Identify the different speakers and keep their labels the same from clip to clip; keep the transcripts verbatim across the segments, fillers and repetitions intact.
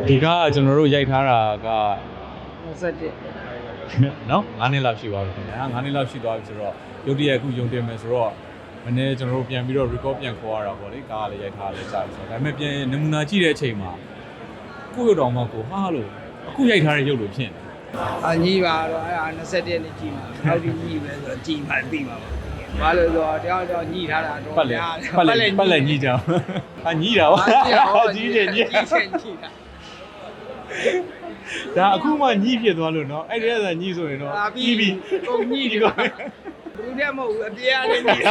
Speaker 1: ဒီကကျွန်တော်တို့ရိုက်ထားတာက
Speaker 2: 21
Speaker 1: နော်9နှစ်လောက်ရှိပါပြီခင်ဗျာ9နှစ်လောက်ရှိသွားပြီဆိုတော့ရုပ်တရက်အခုယုံတင်မယ်ဆိုတော့မနေ့ကျွန်တော်တို့ပြန်ပြီးတော့ record ပြန်ခေါ်ရတာပေါ့လေကားလည်းရိုက်ထားလည်းကြာပြီဆိုတော့ဒါပေမဲ့ပြန်နမူနာကြည့်တဲ့အချိန်မှာကိုယ့်ရုပ်တော်မှကိုဟာလို့အခုရိုက်ထားတဲ့ရုပ်လိုဖြစ်နေ
Speaker 2: အညီပါတော့အဲ့ဒါ21ရက်နေ့ကြည့်မှာနောက်ဒီညီပဲဆိုတော့ကြည့်မှသိမှာပါဘာလို့ဆိုတော့တယောက်တယောက်ညီထားတာတော့
Speaker 1: ပတ်လေပတ်လေပတ်လေညီကြအောင်ဟာညီတာပါကြီးတယ်ညီ
Speaker 2: ကြီးတယ်ညီတာ
Speaker 1: ဒါအခုမှညီဖြစ်သွားလို့နော်အဲ့ဒီကညီဆိုရင်တော့ပြီးပြီ
Speaker 2: ကုန်ညီဒီကောဘူးတဲ့မဟုတ်ဘူးအပြားလေးညီ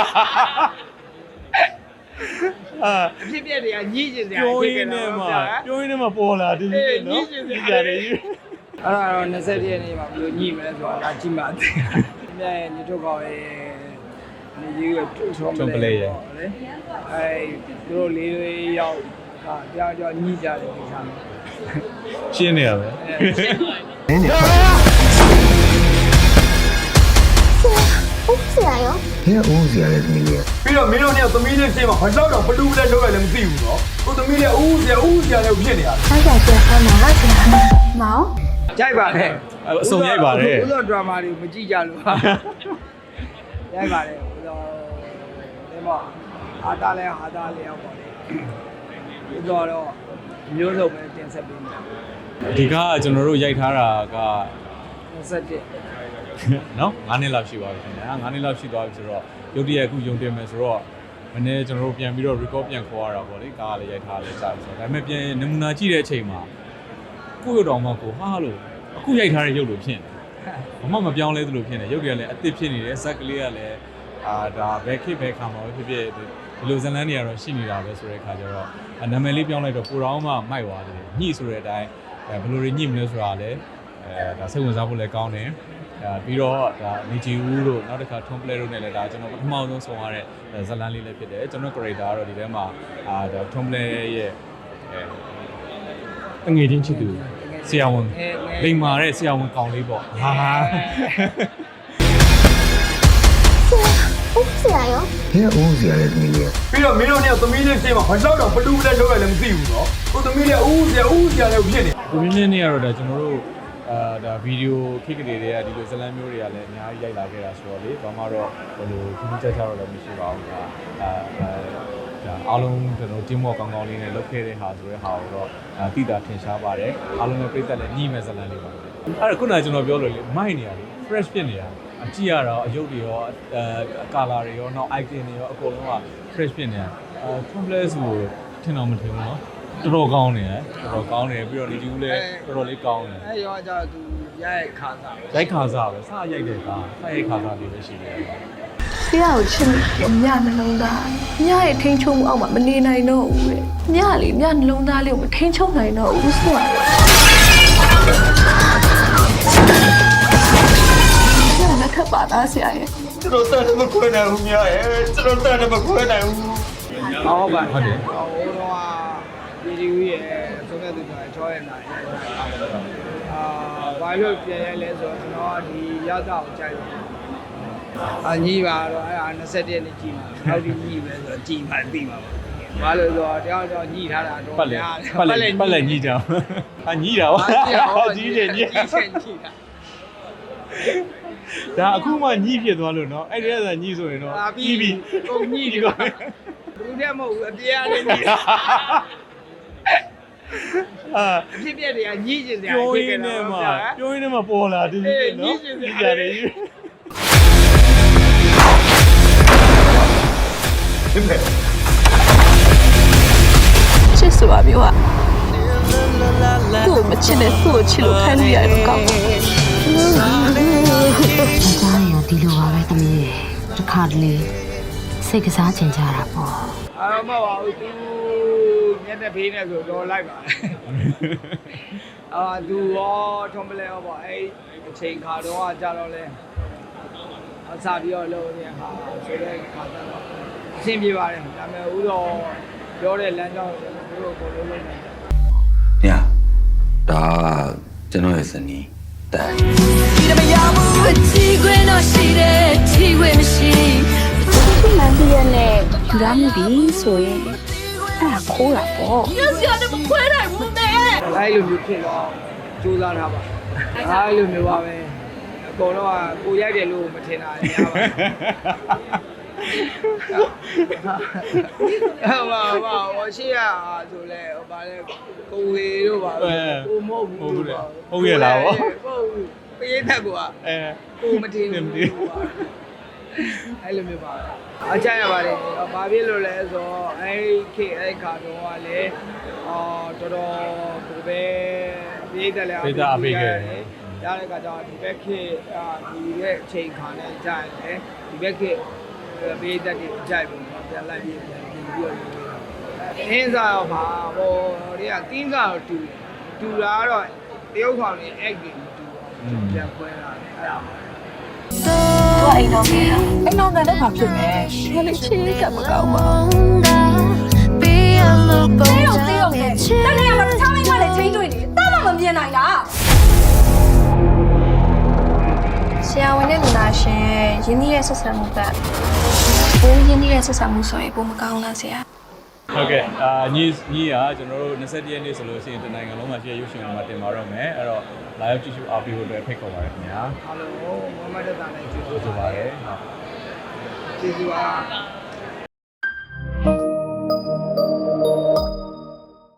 Speaker 1: အာ
Speaker 2: အဖြစ်ပြက်တွေကညီကျင်စရာ
Speaker 1: ပြောရင်းနဲ့မှပြောရင်းနဲ့မှပေါ်လာတယ်နော်ညီကြတယ်
Speaker 2: အဲ့ဒါတော့21ရက်နေ့မှာဘယ်လိုညီမလဲဆိုတော့ဒါကြည့်မှသိမြဲညီတို့ကောရဲ့နေကြီးကထုံးပလဲရဲ့အဲ့သူတို့လေးလေးရောက်ဟာကြောက်ကြောက်ညီကြတယ်ဒီစား
Speaker 1: ရှင်းနေရပဲ
Speaker 3: နင်းနေ
Speaker 4: ဟုတ်ဆရာရော
Speaker 3: ဟဲ့ဦးစီရတဲ့သမီးလေး
Speaker 5: ပြီးတော့မင်းတို့เนี่ยသမီးလေးရှင်းမှာဘာလို့တော့ဘလူးလဲလောက်ရလဲမသိဘူးနော်ကိုသမီးလေးဦးစီရဦးစီရလည်းဖြစ်နေရတယ်
Speaker 4: အားကြပြန်အမဟာဆရာမောင်
Speaker 2: ကြိုက်ပါနဲ့
Speaker 1: အစုံရိုက်ပါတယ်
Speaker 2: ဘုသောဒရာမာတွေမကြည့်ကြလို့ရိုက်ပါတယ်ဘုသောဒီမှာအာတာလဲအာတာလဲရောက်ပါလေဘုသောတော့မျိုးစုံပဲတင်ဆက်ပေးမယ်
Speaker 1: ဒီကကျွန်တော်တို့ရိုက်ထားတာက
Speaker 2: 21
Speaker 1: နော်9နှစ်လောက်ရှိပါပြီခင်ဗျာ9နှစ်လောက်ရှိသွားပြီဆိုတော့ရုပ်တရက်အခုယုံတင်မယ်ဆိုတော့မနေ့ကျွန်တော်တို့ပြန်ပြီးတော့ record ပြန်ခေါ်ရတာပေါ့လေကားလည်းရိုက်ထားလည်းကြာပြီဆိုတော့ဒါပေမဲ့ပြန်နမူနာကြည့်တဲ့အချိန်မှာကိုယ့်ရုပ်တော်မှကိုဟာလို့အခုရိုက်ထားတဲ့ရုပ်လိုဖြစ်နေဘာမှမပြောင်းလဲသလိုဖြစ်နေရုပ်တွေကလည်းအသစ်ဖြစ်နေတယ်ဇက်ကလေးကလည်းအာဒါဘယ်ခေတ်ဘယ်ခါမှာဖြစ်ဖြစ်ဒီလိုဇလန်းတွေကတော့ရှိနေတာပဲဆိုတဲ့အခါကျတော့နာမည်လေးပြောင်းလိုက်တော့ကိုတော်မှမိုက်သွားတယ်ညှိဆိုတဲ့အတိုင်းဘယ်လိုတွေညှိမလဲဆိုတာလည်းအဲဒါစိတ်ဝင်စားဖို့လည်းကောင်းတယ်အဲပြီးတော့ဒါနေဂျီဦးတို့နောက်တစ်ခါထွန်ပလဲတို့နဲ့လည်းဒါကျွန်တော်ပထမဆုံးဆောင်ရတဲ့ဇလန်းလေးလည်းဖြစ်တယ်ကျွန်တော် character ကတော့ဒီထဲမှာအာဒါထွန်ပလဲရဲ့အဲငွေချင်းချစ်သူဆရာဝန်လိမ္မာတဲ့ဆရာဝန်ကောင်လေးပေါ့ဟာ
Speaker 4: ဟုတ်ဆရာရော
Speaker 3: ဟဲ့ဦးစီရတဲ့သမီးလေး
Speaker 5: ပြီးတော့မင်းတို့เนี่ยသမီးလေးရှင်းမှာဘာလို့တော့ဘလူးလဲလောက်ရလဲမသိဘူးနော်ကိုသမီးလေးဦးစီရဦးစီရလည်းဖြစ်နေ
Speaker 1: ကိုမြင့်မြင့်နေရတော့ဒါကျွန်တော်တို့အာဒါဗီဒီယိုခိကလေးတွေကဒီလိုဇလန်းမျိုးတွေကလည်းအများကြီးရိုက်လာခဲ့တာဆိုတော့လေဘာမှတော့ဘယ်လိုခင်းချက်ချတော့လည်းမရှိပါဘူးဒါအာဒါအားလုံးကျွန်တော်တင်းမော့ကောင်းကောင်းလေးနဲ့လုပ်ခဲ့တဲ့ဟာဆိုတဲ့ဟာကိုတော့တိတာထင်ရှားပါတယ်အားလုံးလည်းပြည့်တက်လည်းညှိမဲ့ဇလန်းလေးပါအဲ့ဒါခုနကကျွန်တော်ပြောလို့လေမိုက်နေရတယ် fresh ဖြစ်နေရအကြည့်ရတော့အယုတ်တွေရောအဲကာလာတွေရောနောက် icon တွေရောအကုန်လုံးက fresh ဖြစ်နေရအဲ complex ကိုထင်တော့မထင်ဘူးเนาะတော်တော်ကောင်းနေတယ်တော်တော်ကောင်းနေပြီးတော့ဒီကူလည်းတော်တော်လေးကောင်းတယ်
Speaker 2: အဲ့ရောကြသူရိုက်ခါစား
Speaker 1: ရိုက်ခါစားပဲစရိုက်တဲ့ကားစရိုက်ခါစားလေးပဲရှိတယ်
Speaker 6: ဆရာကိုချစ်လို့ညနှလုံးသားညရဲ့ထိန်းချုပ်မှုအောက်မှာမနေနိုင်တော့ဘူးလေညလေညနှလုံးသားလေးကိုမထိန်းချုပ်နိုင်တော့ဘူးဆိုတာညလက်ထပ်ပါသားဆရာရဲ့
Speaker 5: ကျွန်တော်တန်တယ်မခွဲနိုင်ဘူးများရဲ့ကျွန်တော်တန်တယ်မခွဲနိုင်ဘူး
Speaker 2: ဟုတ်ပါ
Speaker 1: ဟုတ်တယ်
Speaker 2: ဟိုတော့ဗီဒီယိုရဲ့ဆုံးဖြတ်သူကချောရဲ့နိုင်အာဘာလို့ပြန်ရိုက်လဲဆိုတော့ကျွန်တော်ဒီရတာကိုကြိုက်တယ်အညီပါတော့အဲ့ဒါ21ရက်နေ့ကြည့်မှာနောက်ဒီညီပဲဆိုတော့ကြည့်မှသိမှာပါဘာလို့ဆိုတော့တယောက်တယောက်ညီထားတာတော့
Speaker 1: ပတ်လေပတ်လေပတ်လေညီကြအောင်ဟာညီတာပါကြီးတယ်ညီ
Speaker 2: ကြီးချင်ညီတာ
Speaker 1: ဒါအခုမှညီဖြစ်သွားလို့เนาะအဲ့ဒီကညီဆိုရင်တော့ပြီးပြီ
Speaker 2: ကုန်ညီဒီကောဘူးတဲ့မဟုတ်ဘူးအပြားလေးညီ
Speaker 1: အာ
Speaker 2: အဖြစ်ပြက်တွေကညီကျင်စရာ
Speaker 1: ပြောရင်းနဲ့မှပြောရင်းနဲ့မှပေါ်လာတယ်เนาะညီကြတယ်
Speaker 6: ချစ်ဆိုတာမျိုးကသူ့ကိုမချစ်နဲ့သူ့ကိုချစ်လို့ခံရရတော့ကောင်းတယ်
Speaker 7: ကြားရင်ဒီလိုပါပဲသမီးရဲ့တစ်ခါတလေစိတ်ကစားချင်ကြတာပေါ့
Speaker 2: အာမပါဘူးသူညနေဖေးနေဆိုတော့လိုက်ပါအာသူရောထုံးပလဲရောပေါ့အဲ့အချိန်ခါတော့ကြာတော့လဲအစားပြီးတော့လို့เนี่ยဟာဆိုတဲ့ခါတော့အဆင်ပြေပါတယ်ဒါပေမဲ့ဦးတော့ပြောတဲ့လမ်းကြောင်းကိုတို့ကိုလုံးလုံးနေတယ်
Speaker 3: ညဒါကျွန်တော်ရဲ့ဇနီးတန်
Speaker 6: ဒီမရဘူးအချီခွင့်တော့ရှိတယ်ချီခွင့်မရှိ
Speaker 4: ဒီမှန်ပြည့်နဲ့ယူရမှုပြီဆိုရင်အဲ့ဒါခိုးတာပေါ့
Speaker 6: ညစီရတယ်မခွဲနိုင်ဘူးနဲ့
Speaker 2: အဲ့လိုမျိုးဖြစ်တော့စူးစမ်းထားပါအဲ့လိုမျိုးပါပဲအကုန်လုံးကကိုရိုက်တယ်လို့မထင်တာများပါဟာပါပါဝရှိရဆိုလဲဟိုပါလဲကိုဝေတို့ပါကိုမဟုတ်ဘူးဟုတ်ပေးတတ်ကွာအဲကိုမထင်ဘူးအဲ့လိုမျိုးပါအကြရပါတယ်ဘာဖြစ်လို့လဲဆိုတော့အဲ့ခေအဲ့ခါတော့ကလည်းအော်တော်တော်ကိုပဲပြေးတယ်လေပြေးတာအပေးခဲ့တယ်ရတဲ့ခါကျတော့ဒီဘက်ခေအာဒီရဲ့အချိန်ခါနဲ့ကြာတယ်ဒီဘက်ခေပြေးတတ်တယ်ကြိုက်ဘူးပြန်လိုက်ပြီးပြန်ပြီးတော့အင်းစားတော့ပါဟိုတွေကတင်းစားတော့တူတူတာတော့တရုတ်ခေါင်နေအဲ့ဒီမတူဘူးပြန်ခွဲလာတယ်အဲ့ဒါ
Speaker 6: 我အိမ်တော်မယ်အိမ်တော်ကလည်းဘာဖြစ်လဲငါလေးချစ်ကမကောင်းပါဘူးတေးရောတေးရောလေတနေ့ကမှတခြားမိမလည်းချင်းတွေ့နေတာမှမမြင်နိုင်တာဆရာဝန်နဲ့လူနာရှင်ရင်းနှီးရဲ့ဆက်ဆံမှုကဘိုးရင်းနှီးရဲ့ဆက်ဆံမှုဆိုရင်ဘိုးမကောင်းလားဆရာ
Speaker 1: ဟုတ်ကဲ့အာညီညီကကျွန်တော်တို့၂၁ရက်နေ့ဆိုလို့ရှိရင်တနိုင်ငံလုံးမှာရှိတဲ့ရုပ်ရှင်မှာတင်ပါတော့မယ်အဲ့တော့လာရောက်ကြည့်ရှုအားပေးဖို့အတွက်ဖိတ်ခေါ်ပါရခင်ဗျာ
Speaker 2: ဟယ်လိုမိုဟမ္မဒ်တာနဲ့ကျေးဇူး
Speaker 1: ကျေးဇူးပါတယ်
Speaker 2: ကျေးဇူးပါ